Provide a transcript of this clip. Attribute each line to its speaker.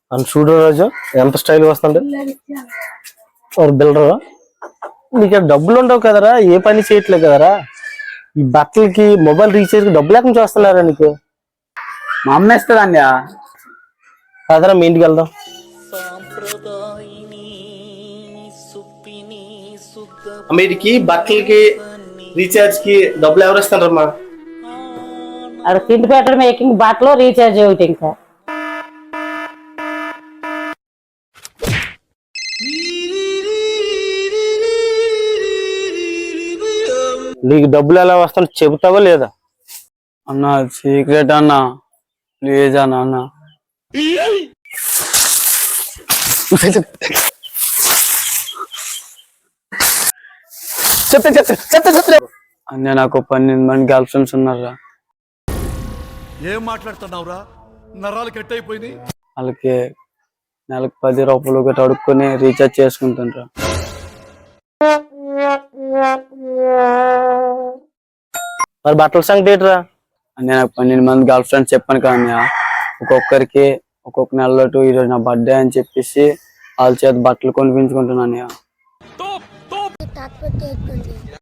Speaker 1: అని చూడు రాజు ఎంత స్టైల్ వస్తుండే బిల్డర్. నీకు డబ్బులు ఉండవు కదరా, ఏ పని చేయట్లేదు కదరా. ఈ బట్టలకి మొబైల్ రీఛార్జ్ కి డబ్బులు ఎక్కడి నుంచి వస్తున్నారా నీకు?
Speaker 2: మా అమ్మ ఇస్తుందండి.
Speaker 1: కదరా మీ ఇంటికి వెళ్దాం. వీటికి బట్టలకి రీఛార్జ్ కి డబ్బులు ఎవరు ఇస్తారమ్మా?
Speaker 3: అక్కడ తిండి పెట్టడం మేకింగ్ బట్టలు రీఛార్జ్ ఒకటి. ఇంకా
Speaker 1: నీకు డబ్బులు ఎలా వస్తాయో చెబుతావా లేదా?
Speaker 2: అన్న సీక్రెట్ అన్న, ప్లీజ్ అన్న. అన్న నాకు 12 మంది గర్ల్ ఫ్రెండ్స్ ఉన్నారా.
Speaker 4: ఏం మాట్లాడుతున్నావురా? నరాలు కట్ అయిపోయింది.
Speaker 2: వాళ్ళకి నెలకు 10 రూపాయలు ఒకటి అడుక్కొని రీఛార్జ్ చేసుకుంటుండ్రా.
Speaker 1: మరి బట్టల సంగతి ఏంట్రా?
Speaker 2: అన్న నాకు 12 మంది గర్ల్ ఫ్రెండ్స్ చెప్పాను కదా, ఒక్కొక్కరికి ఒక్కొక్క నెలలో ఈరోజు నా బర్త్డే అని చెప్పేసి వాళ్ళ చేత బట్టలు కొనిపించుకుంటున్నాను.